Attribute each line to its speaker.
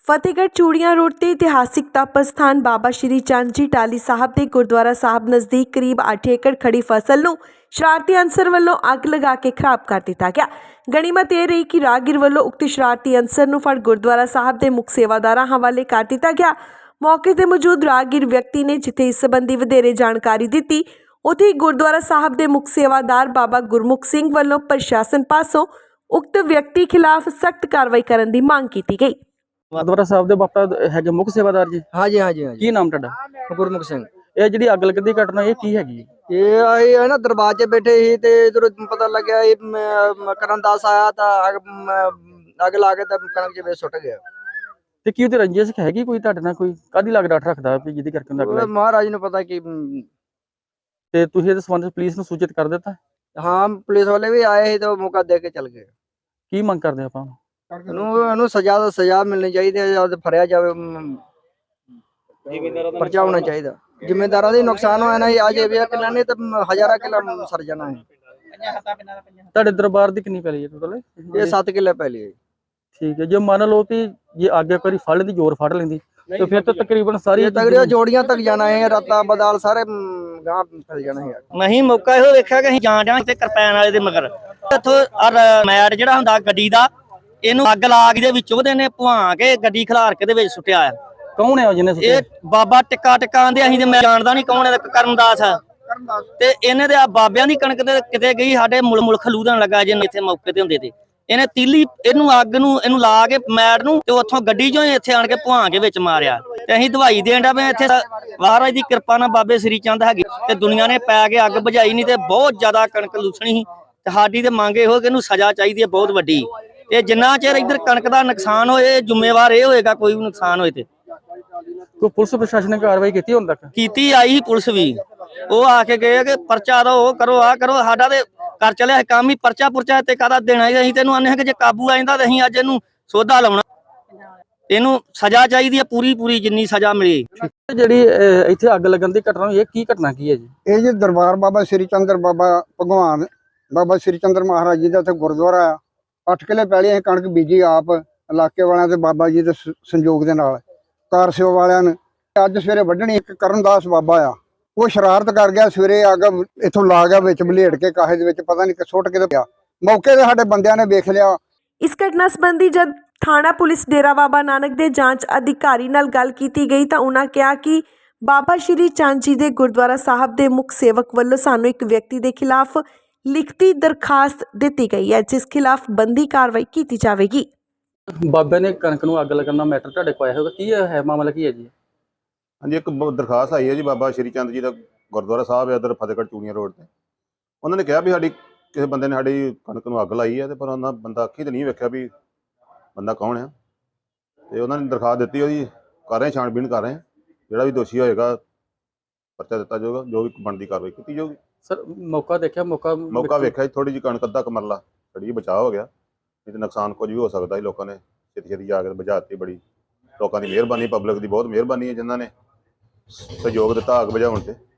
Speaker 1: ਫਤਿਹਗੜ੍ਹ ਚੂੜੀਆਂ ਰੋਡ ਤੇ ਇਤਿਹਾਸਿਕ ਤਪ ਸਥਾਨ ਬਾਬਾ ਸ਼੍ਰੀ ਚੰਦ ਜੀ ਟਾਹਲੀ ਸਾਹਿਬ ਦੇ ਗੁਰਦੁਆਰਾ ਸਾਹਿਬ ਨਜ਼ਦੀਕ ਕਰੀਬ 8 ਏਕੜ ਖੜੀ ਫਸਲ ਨੂੰ ਸ਼ਰਾਰਤੀ ਅਨਸਰ ਵੱਲੋਂ ਅੱਗ ਲਗਾ ਕੇ ਖਰਾਬ ਕਰ ਦਿੱਤਾ ਗਿਆ। ਗਣੀਮਤ ਇਹ ਰਹੀ ਕਿ ਰਾਹਗੀਰ ਵੱਲੋਂ ਉਕਤ ਸ਼ਰਾਰਤੀ ਅਨਸਰ ਨੂੰ ਫੜ ਗੁਰਦੁਆਰਾ ਸਾਹਿਬ ਦੇ ਮੁੱਖ ਸੇਵਾਦਾਰਾਂ ਹਵਾਲੇ ਕਰ ਦਿੱਤਾ ਗਿਆ। ਮੌਕੇ ਤੇ ਮੌਜੂਦ ਰਾਹਗੀਰ ਵਿਅਕਤੀ ਨੇ ਜਿੱਥੇ ਇਸ ਸੰਬੰਧੀ ਵਧੇਰੇ ਜਾਣਕਾਰੀ ਦਿੱਤੀ, ਉੱਥੇ ਹੀ ਗੁਰਦੁਆਰਾ ਸਾਹਿਬ ਦੇ ਮੁੱਖ ਸੇਵਾਦਾਰ ਬਾਬਾ ਗੁਰਮੁਖ ਸਿੰਘ ਵੱਲੋਂ ਪ੍ਰਸ਼ਾਸਨ ਪਾਸੋਂ ਉਕਤ ਵਿਅਕਤੀ ਖਿਲਾਫ ਸਖਤ ਕਾਰਵਾਈ ਕਰਨ ਦੀ ਮੰਗ ਕੀਤੀ ਗਈ।
Speaker 2: ਗੁਰਦੁਆਰਾ ਸਾਹਿਬ ਦੇ ਬਾਪਾ ਹੈਗੇ ਮੁੱਖ ਸੇਵਾਦਾਰ ਜੀ।
Speaker 3: हाँ जी हाँ जी हाँ जी
Speaker 2: ਕੀ ਨਾਮ ਤੁਹਾਡਾ?
Speaker 3: गुरमुख सिंह।
Speaker 2: ਇਹ ਜਿਹੜੀ ਅੱਗ ਲੱਗਣ ਦੀ ਘਟਨਾ ਇਹ ਕੀ ਹੈਗੀ?
Speaker 3: ये आए है ना दरबार च बैठे ही ते इधर पता लग गया ये करण दास आया था आग ला के तब कणक च सुट गया।
Speaker 2: ਤੇ ਕੀ ਉਹਦੀ ਰੰਜਿਸ਼ ਹੈਗੀ ਕੋਈ ਤੁਹਾਡੇ ਨਾਲ? ਕੋਈ ਕਾਦੀ ਲੱਗ ਡਾਟ ਰੱਖਦਾ ਵੀ ਜਿਹਦੀ ਕਰਕੇ ਉਹਨੂੰ ਅੱਗ ਲੱਗੀ?
Speaker 3: महाराज ने पता कि
Speaker 2: ਤੇ ਤੁਸੀਂ ਇਹਦੇ ਸੰਬੰਧ ਪੁਲਿਸ ਨੂੰ ਸੂਚਿਤ ਕਰ ਦਿੱਤਾ?
Speaker 3: हाँ पुलिस वाले भी आए ही तो मौका दे के चल गए।
Speaker 2: ਕੀ ਮੰਗ ਕਰਦੇ ਆਪਾਂ?
Speaker 3: ਇਹਨੂੰ ਸਜ਼ਾ ਮਿਲਣੀ ਚਾਹੀਦੀ ਹੈ ਜਾਂ ਫੜਿਆ ਜਾਵੇ, ਪਰਚਾ ਹੋਣਾ ਚਾਹੀਦਾ। ਜ਼ਿੰਮੇਦਾਰਾਂ ਦਾ ਨੁਕਸਾਨ ਹੋਇਆ ਨਾ, ਅੱਜ ਇਹ ਕਿੱਲਾ ਨਹੀਂ ਤਾਂ ਹਜ਼ਾਰਾਂ ਕਿੱਲਾ ਸਰ ਜਾਣਾ ਹੈ।
Speaker 2: ਤੁਹਾਡੇ ਦਰਬਾਰ ਦੀ ਕਿੰਨੀ ਪੈਲੀ ਹੈ ਟੋਟਲ?
Speaker 3: ਇਹ 7 ਕਿੱਲੇ ਪਹਿਲੀ ਹੈ।
Speaker 2: ਠੀਕ ਹੈ, ਜੇ ਮੰਨ ਲਓ ਕਿ ਜੇ ਅੱਗ ਇੱਕ ਵਾਰੀ ਫੜ ਲੈਂਦੀ, ਜ਼ੋਰ ਫੜ ਲੈਂਦੀ, ਤੇ ਫਿਰ ਤਾਂ ਤਕਰੀਬਨ ਸਾਰੀ
Speaker 3: ਤਗੜੀਆਂ ਜੋੜੀਆਂ ਤੱਕ ਜਾਣਾ ਹੈ, ਰਾਤਾਂ ਬਦਾਲ ਸਾਰੇ ਗਾਂ ਫੈਲ ਜਾਣਾ ਹੈ।
Speaker 4: ਨਹੀਂ ਮੌਕਾ ਇਹੋ ਵੇਖਿਆ ਕਿ ਅਸੀਂ ਜਾਣ ਡਿਆ ਤੇ ਕਿਰਪਾਨ ਵਾਲੇ ਦੇ ਮਗਰ ਇੱਥੋਂ ਮੈਟ ਜਿਹੜਾ ਹੁੰਦਾ ਗੱਡੀ ਦਾ, ਇਹਨੂੰ ਅੱਗ ਲਾ ਕੇ ਦੇ ਵਿੱਚ ਉਹਦੇ ਨੇ ਭਵਾ ਕੇ ਗੱਡੀ ਖਿਲਾਰ ਕੇ ਦੇ ਵਿੱਚ ਸੁੱਟਿਆ ਆ।
Speaker 2: ਕੌਣ ਹੈ ਜਿਹਨੇ ਸੁੱਟਿਆ?
Speaker 4: ਇਹ ਬਾਬਾ ਟਿੱਕਾ ਆਂਦੇ, ਅਸੀਂ ਤੇ ਮੈਂ ਜਾਣਦਾ ਨਹੀਂ ਕੌਣ ਹੈ, ਕਰਨਦਾਸ ਆ। ਤੇ ਇਹਨੇ ਤੇ ਆ ਬਾਬਿਆਂ ਦੀ ਕਣਕ ਤੇ ਕਿਤੇ ਗਈ, ਸਾਡੇ ਮੁਲ ਖਲੂਦਣ ਲੱਗਾ ਜੇ ਇੱਥੇ ਮੌਕੇ ਤੇ ਹੁੰਦੇ ਤੇ ਇਹਨੇ ਤੀਲੀ ਇਹਨੂੰ ਅੱਗ ਨੂੰ ਇਹਨੂੰ ਲਾ ਕੇ ਮੈਟ ਨੂੰ ਤੇ ਉੱਥੋਂ ਗੱਡੀ ਚੋਂ ਇੱਥੇ ਆਣ ਕੇ ਭਵਾ ਕੇ ਵਿੱਚ ਮਾਰਿਆ। ਤੇ ਅਸੀਂ ਦਵਾਈ ਦੇਣ ਦਾ ਇੱਥੇ ਮਹਾਰਾਜ ਦੀ ਕਿਰਪਾ ਨਾਲ ਬਾਬੇ ਸ੍ਰੀ ਚੰਦ ਹੈਗੇ ਤੇ ਦੁਨੀਆ ਨੇ ਪੈ ਕੇ ਅੱਗ ਬੁਝਾਈ ਨਹੀਂ ਤੇ ਬਹੁਤ ਜ਼ਿਆਦਾ ਕਣਕ ਲੂਸਣੀ ਸੀ। ਤੇ ਸਾਡੀ ਤੇ ਮੰਗ ਇਹੋ ਕਿ ਇਹਨੂੰ ਸਜ਼ਾ ਚਾਹੀਦੀ ਹੈ ਬਹੁਤ ਵੱਡੀ। ਤੇ ਜਿੰਨਾ ਚਿਰ ਇੱਧਰ ਕਣਕ ਦਾ ਨੁਕਸਾਨ ਹੋਏ, ਜ਼ਿੰਮੇਵਾਰ ਇਹ ਹੋਏਗਾ ਕੋਈ ਵੀ ਨੁਕਸਾਨ ਹੋਏ ਤੇ।
Speaker 2: ਕੋਈ ਪੁਲਿਸ ਪ੍ਰਸ਼ਾਸਨ ਨੇ ਕਾਰਵਾਈ ਕੀਤੀ ਹੁਣ ਤੱਕ?
Speaker 4: ਕੀਤੀ ਆਈ ਪੁਲਿਸ ਵੀ, ਉਹ ਆ ਕੇ ਗਏ ਕਿ ਪਰਚਾ ਦੋ, ਉਹ ਕਰੋ, ਆ ਕਰੋ। ਸਾਡਾ ਤੇ ਕਰ ਚਲਿਆ ਕੰਮ ਹੀ ਪਰਚਾ ਤੇ ਕਾਹਦਾ ਦੇਣਾ? ਅਸੀਂ ਤੈਨੂੰ ਆਨੇ ਕਿ ਜੇ ਕਾਬੂ ਆ ਜਾਂਦਾ ਤਾਂ ਅਸੀਂ ਅੱਜ ਇਹਨੂੰ ਸੋਧਾ ਲਾਉਣਾ। ਇਹਨੂੰ ਸਜ਼ਾ ਚਾਹੀਦੀ ਹੈ ਪੂਰੀ ਜਿੰਨੀ ਸਜ਼ਾ ਮਿਲੇ।
Speaker 2: ਜਿਹੜੀ ਇੱਥੇ ਅੱਗ ਲੱਗਣ ਦੀ ਘਟਨਾ ਇਹ ਕੀ ਘਟਨਾ ਕੀ ਹੈ ਜੀ?
Speaker 5: ਇਹ ਜੀ ਦਰਬਾਰ ਬਾਬਾ ਸ੍ਰੀ ਚੰਦਰ ਬਾਬਾ ਭਗਵਾਨ ਬਾਬਾ ਸ੍ਰੀ ਚੰਦਰ ਮਹਾਰਾਜ ਜੀ ਦਾ ਇੱਥੇ ਗੁਰਦੁਆਰਾ ਆ। 8 ਕਿੱਲੇ ਪਹਿਲੇ ਅਸੀਂ ਕਣਕ ਬੀਜੀ ਆਪ, ਇਲਾਕੇ ਵਾਲਿਆਂ ਤੇ ਬਾਬਾ ਜੀ ਦੇ ਸੰਯੋਗ ਦੇ ਨਾਲ, ਕਾਰ ਸੇਵਾ ਵਾਲਿਆਂ ਨੇ। ਅੱਜ ਸਵੇਰੇ ਵੱਢਣੀ ਇੱਕ ਕਰਨਦਾਸ ਬਾਬਾ ਆ, ਉਹ ਸ਼ਰਾਰਤ ਕਰ ਗਿਆ। ਸਵੇਰੇ ਅੱਗ ਇੱਥੋਂ ਲਾ ਗਿਆ, ਵਿੱਚ ਬਲੇਡ ਕੇ ਕਾਹੇ ਦੇ ਵਿੱਚ ਪਤਾ ਨਹੀਂ ਸੁੱਟ ਕੇ ਪਿਆ। ਮੌਕੇ ਤੇ ਸਾਡੇ ਬੰਦਿਆਂ ਨੇ ਵੇਖ ਲਿਆ।
Speaker 1: ਇਸ ਘਟਨਾ ਸੰਬੰਧੀ ਜਦ ਥਾਣਾ ਪੁਲਿਸ ਡੇਰਾ ਬਾਬਾ ਨਾਨਕ ਦੇ ਜਾਂਚ ਅਧਿਕਾਰੀ ਨਾਲ ਗੱਲ ਕੀਤੀ ਗਈ ਤਾਂ ਉਹਨਾਂ ਕਿਹਾ ਕਿ ਬਾਬਾ ਸ਼੍ਰੀ ਚੰਦ ਜੀ ਦੇ ਗੁਰਦੁਆਰਾ ਸਾਹਿਬ ਦੇ ਮੁੱਖ ਸੇਵਕ ਵੱਲੋਂ ਸਾਨੂੰ ਇੱਕ ਵਿਅਕਤੀ ਦੇ ਖਿਲਾਫ ਲਿਖਤੀ ਦਰਖਾਸਤ ਦਿੱਤੀ ਗਈ ਹੈ, ਜਿਸ ਖਿਲਾਫ ਬੰਦੀ ਕਾਰਵਾਈ ਕੀਤੀ ਜਾਵੇਗੀ।
Speaker 2: ਬਾਬੇ ਨੇ ਕਣਕ ਨੂੰ ਅੱਗ ਲੱਗਣ ਦਾ ਮੈਟਰ ਤੁਹਾਡੇ ਕੋਲ ਆਇਆ ਹੋਗਾ, ਕੀ ਹੈ ਮਾਮਲਾ ਕੀ ਹੈ ਜੀ?
Speaker 6: ਹਾਂਜੀ, ਇੱਕ ਦਰਖਾਸਤ ਆਈ ਹੈ ਜੀ ਬਾਬਾ ਸ਼੍ਰੀ ਚੰਦ ਜੀ ਦਾ ਗੁਰਦੁਆਰਾ ਸਾਹਿਬ ਹੈ ਇੱਧਰ ਫਤਿਹਗੜ੍ਹ ਚੂੜੀਆਂ ਰੋਡ ਤੇ। ਉਹਨਾਂ ਨੇ ਕਿਹਾ ਵੀ ਸਾਡੀ ਕਿਸੇ ਬੰਦੇ ਨੇ ਸਾਡੀ ਕਣਕ ਨੂੰ ਅੱਗ ਲਾਈ ਹੈ, ਤੇ ਪਰ ਉਹਨਾਂ ਬੰਦਾ ਅੱਖੀ ਤੇ ਨਹੀਂ ਵੇਖਿਆ ਵੀ ਬੰਦਾ ਕੌਣ ਆ। ਤੇ ਉਹਨਾਂ ਨੇ ਦਰਖਾਸਤ ਦਿੱਤੀ, ਉਹਦੀ ਕਰ ਰਹੇ ਛਾਣਬੀਣ ਕਰ ਰਹੇ। ਜਿਹੜਾ ਵੀ ਦੋਸ਼ੀ ਹੋਏਗਾ ਪਰਚਾ ਦਿੱਤਾ ਜਾਊਗਾ, ਜੋ ਵੀ ਬਣਦੀ ਕਾਰਵਾਈ ਕੀਤੀ ਜਾਊਗੀ।
Speaker 2: ਸਰ ਮੌਕਾ ਦੇਖਿਆ? ਮੌਕਾ
Speaker 6: ਵੇਖਿਆ ਜੀ, ਥੋੜੀ ਜਿਹੀ ਕਣਕ ਅੱਧਾ ਕੁ ਮਰਲਾ ਛੜੀ ਬਚਾਅ ਹੋ ਗਿਆ, ਨਹੀਂ ਤੇ ਨੁਕਸਾਨ ਕੁਝ ਵੀ ਹੋ ਸਕਦਾ ਸੀ। ਲੋਕਾਂ ਨੇ ਛੇਤੀ ਜਾ ਕੇ ਬੁਝਾ ਦਿੱਤੀ। ਬੜੀ ਲੋਕਾਂ ਦੀ ਮਿਹਰਬਾਨੀ, ਪਬਲਿਕ ਦੀ ਬਹੁਤ ਮਿਹਰਬਾਨੀ ਹੈ ਜਿਨ੍ਹਾਂ ਨੇ ਸਹਿਯੋਗ ਦਿੱਤਾ ਅੱਗ ਬੁਝਾਉਣ ਤੇ।